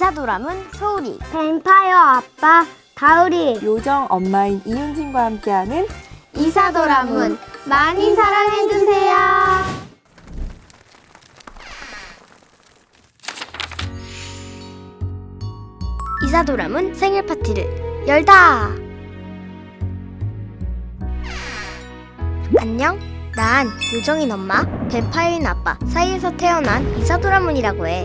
이사도람은 소울이, 뱀파이어 아빠 다우리, 요정 엄마인 이윤진과 함께하는 이사도람은 많이 사랑해주세요. 이사도람은 생일 파티를 열다. 안녕, 난 요정인 엄마, 뱀파이어인 아빠 사이에서 태어난 이사도람은이라고 해.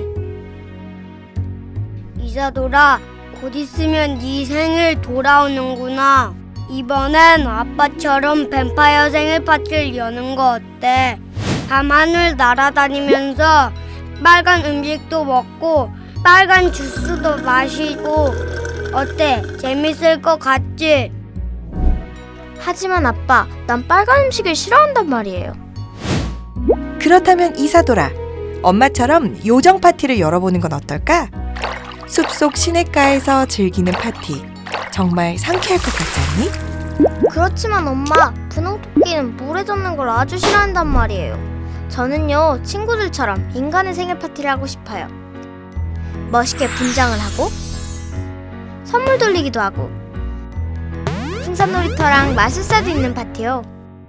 이사돌아, 곧 있으면 네 생일 돌아오는구나. 이번엔 아빠처럼 뱀파이어 생일 파티를 여는 거 어때? 밤하늘 날아다니면서 빨간 음식도 먹고 빨간 주스도 마시고 어때? 재밌을 것 같지? 하지만 아빠, 난 빨간 음식을 싫어한단 말이에요. 그렇다면 이사돌아, 엄마처럼 요정 파티를 열어보는 건 어떨까? 숲속 시냇가에서 즐기는 파티, 정말 상쾌할 것 같지 않니? 그렇지만 엄마, 분홍토끼는 물에 젖는 걸 아주 싫어한단 말이에요. 저는요, 친구들처럼 인간의 생일 파티를 하고 싶어요. 멋있게 분장을 하고 선물 돌리기도 하고 풍선 놀이터랑 마술사도 있는 파티요.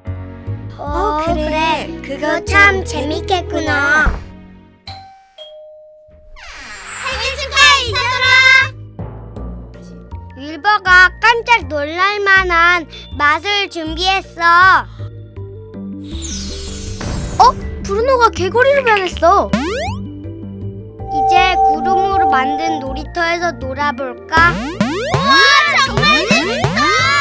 그래. 그거 참 재밌겠구나. 윌버가 깜짝 놀랄만한 맛을 준비했어. 브루노가 개구리로 변했어. 이제 구름으로 만든 놀이터에서 놀아볼까? 우와, 정말 재밌어!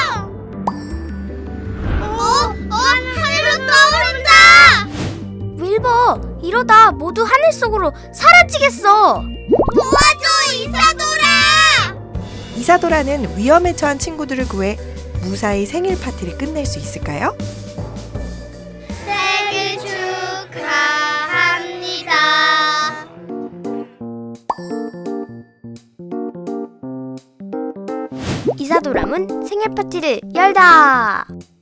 하늘로 떠오른다! 윌버, 이러다 모두 하늘 속으로 사라지겠어. 도와줘, 이사돌아! 이사돌아는 위험에 처한 친구들을 구해 무사히 생일 파티를 끝낼 수 있을까요? 생일 축하합니다. 이사도람은 생일 파티를 열다.